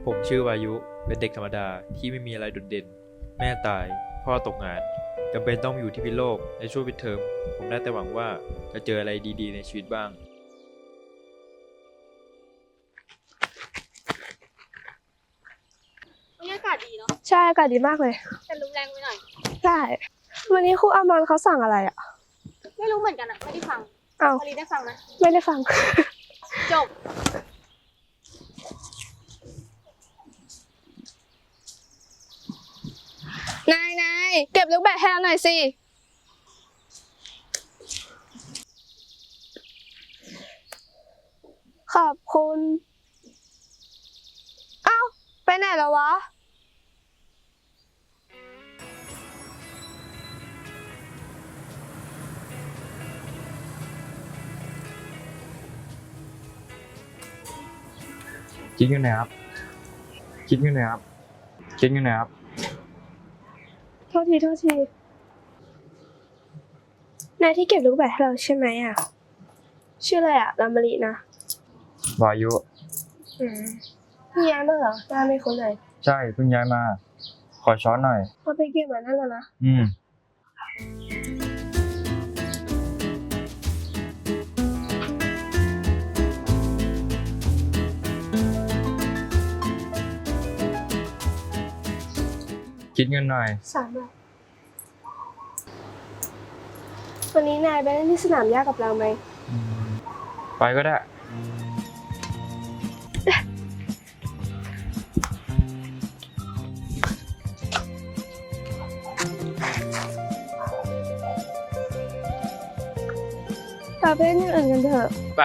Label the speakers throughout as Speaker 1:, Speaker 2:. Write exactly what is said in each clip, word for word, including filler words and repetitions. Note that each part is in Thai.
Speaker 1: ผมชื่อวายุเป็นเด็กธรรมดาที่ไม่มีอะไรโดดเด่นแม่ตายพ่อตกงานจำเป็นต้องอยู่ที่พิษณุโลกในช่วงปิดเทอมผมได้แต่หวังว่าจะเจออะไรดีๆในชีวิตบ้าง
Speaker 2: บรรยากาศดีเนาะ
Speaker 3: ใช่อากาศดีมากเลย
Speaker 2: แต่ลมแรงไปหน่อย
Speaker 3: ใช่วันนี้ครูอามอนเขาสั่งอะไรอ่ะ
Speaker 2: ไม่รู้เหมือนกันอะไม่ได้ฟัง
Speaker 3: อ้าว
Speaker 2: พอดีได้ฟังไหม
Speaker 3: ไม่ได้ฟัง
Speaker 2: จบ
Speaker 3: นายนายเก็บลูกแบดให้เราหน่อยสิขอบคุณเอ้าไปไหนแล้ววะ
Speaker 4: คิดอยู่ไหนครับคิดอยู่ไหนครับคิดอยู่ไหนครับ
Speaker 3: โทษทีโทษทีนายที่เก็บลูกแบดให้เราใช่ไหมอ่ะชื่ออะไรอ่ะลามารีนะ
Speaker 4: วายุ
Speaker 3: อืมพี่ย้ายมาเหรอหน้าไม่คุ้นเลย
Speaker 4: ใช่เพิ่งย้ายมาขอช้อนหน่อย
Speaker 3: พอไปเก็บมานั่นแล้วนะ
Speaker 4: อืมคิดเงินหน่อย
Speaker 3: สามบาทวันนี้นายไปเล่นที่สนามหญ้ากับเราไหม
Speaker 4: ไปก็ได้
Speaker 3: เราไปเล่นอย่างอื่นกันเถอะ
Speaker 4: ไป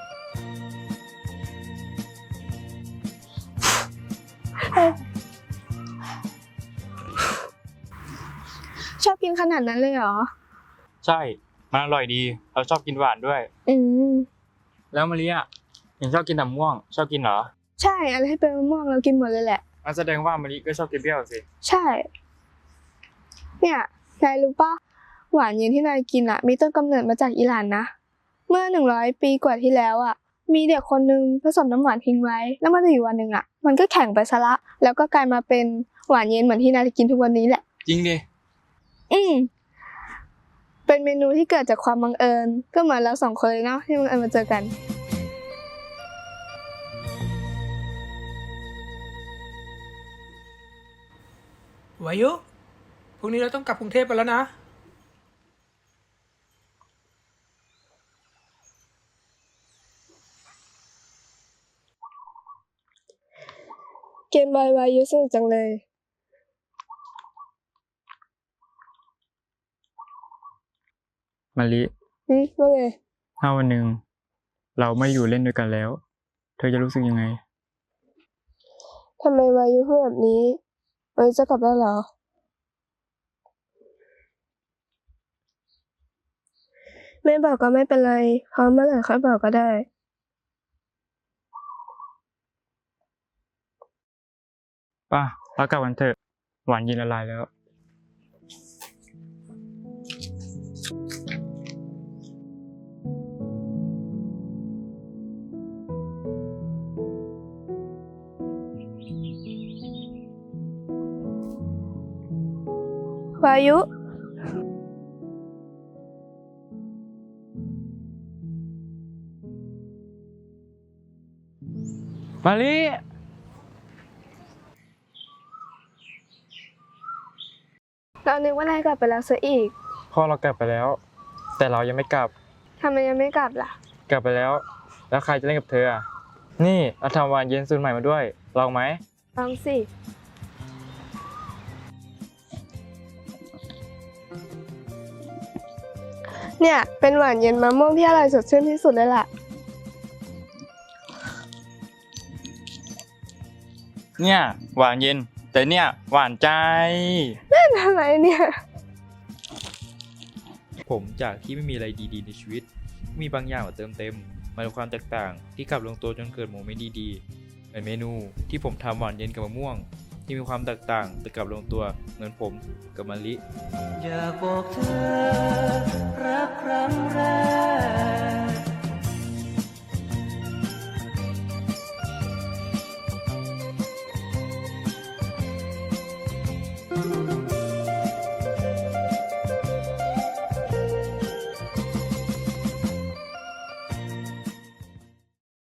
Speaker 3: ชอบกินขนาดนั้นเลยเหรอ
Speaker 4: ใช่มันอร่อยดีเราชอบกินหวานด้วย
Speaker 3: อืม
Speaker 4: แล้วมะลิอ่ะเห็นชอบกินน้ำม่วงชอบกินเหรอ
Speaker 3: ใช่อะไรให้เป็นมะม่วงเรากินหมดเลยแหละ
Speaker 4: งั้นแสดงว่ามะลิก็ชอบกินเปรี้ยวสิ
Speaker 3: ใช่เนี่ยนายรู้ปะหวานเย็นที่นายกินอ่ะมีต้นกำเนิดมาจากอิหร่านนะเมื่อหนึ่งร้อยปีกว่าที่แล้วอ่ะมีเด็กคนนึงผสมน้ำหวานทิ้งไว้แล้วมาอยู่วันหนึ่งอ่ะมันก็แข็งไปซะละแล้วก็กลายมาเป็นหวานเย็นเหมือนที่นายกินทุกวันนี้แหละ
Speaker 4: จริงดิ
Speaker 3: อืมเป็นเมนูที่เกิดจากความบังเอิญก็เหมือนเราสองคนเลยเนาะที่บังเอิญมาเจอกัน
Speaker 5: วายุพรุ่งนี้เราต้องกลับกรุงเทพไปแล้วนะ
Speaker 3: เกมบอยวายุสนุกจังเลย
Speaker 4: มะลิ
Speaker 3: อืมว่าไง
Speaker 4: ถ้าวันหนึ่งเราไม่อยู่เล่นด้วยกันแล้วเธอจะรู้สึกยังไง
Speaker 3: ทำไมวายุพูดแบบนี้วายุจะกลับแล้วเหรอไม่บอกก็ไม่เป็นไรเพราะเมื่อไหร่ค่อยบอกก็ได้
Speaker 4: ป่ะเรากลับกันเถอะหวานเย็นละลายแล้ว
Speaker 3: วายุ
Speaker 4: มาลิ
Speaker 3: เรานึกว่านายกลับไปแล้วซะอีก
Speaker 4: พ่อเรากลับไปแล้วแต่เรายังไม่กลับ
Speaker 3: ทำไมยังไม่กลับล่ะ
Speaker 4: กลับไปแล้วแล้วใครจะเล่นกับเธออ่ะนี่เราทำหวานเย็นสูตรใหม่มาด้วยลองไหม
Speaker 3: ลองสิเนี่ยเป็นหวานเย็นมะม่วงที่อร่อยสดชื่นที่สุดเลยล่ะ
Speaker 4: เนี่ยหวานเย็นแต่เนี่ยหวานใจ
Speaker 3: เล่นอะไรเนี่ย
Speaker 1: ผมจากที่ไม่มีอะไรดีๆในชีวิตมีบางอย่างมาเติมเต็มมันความแตกต่างที่กลับลงตัวจนเกิดโมเมนต์ดีๆเป็นเมนูที่ผมทำหวานเย็นกับมะม่วงที่มีความแตกต่างแต่กลับลงตัวเหมือนผมกับมะลิ
Speaker 6: อยากบอกเธอรักครั้งแรก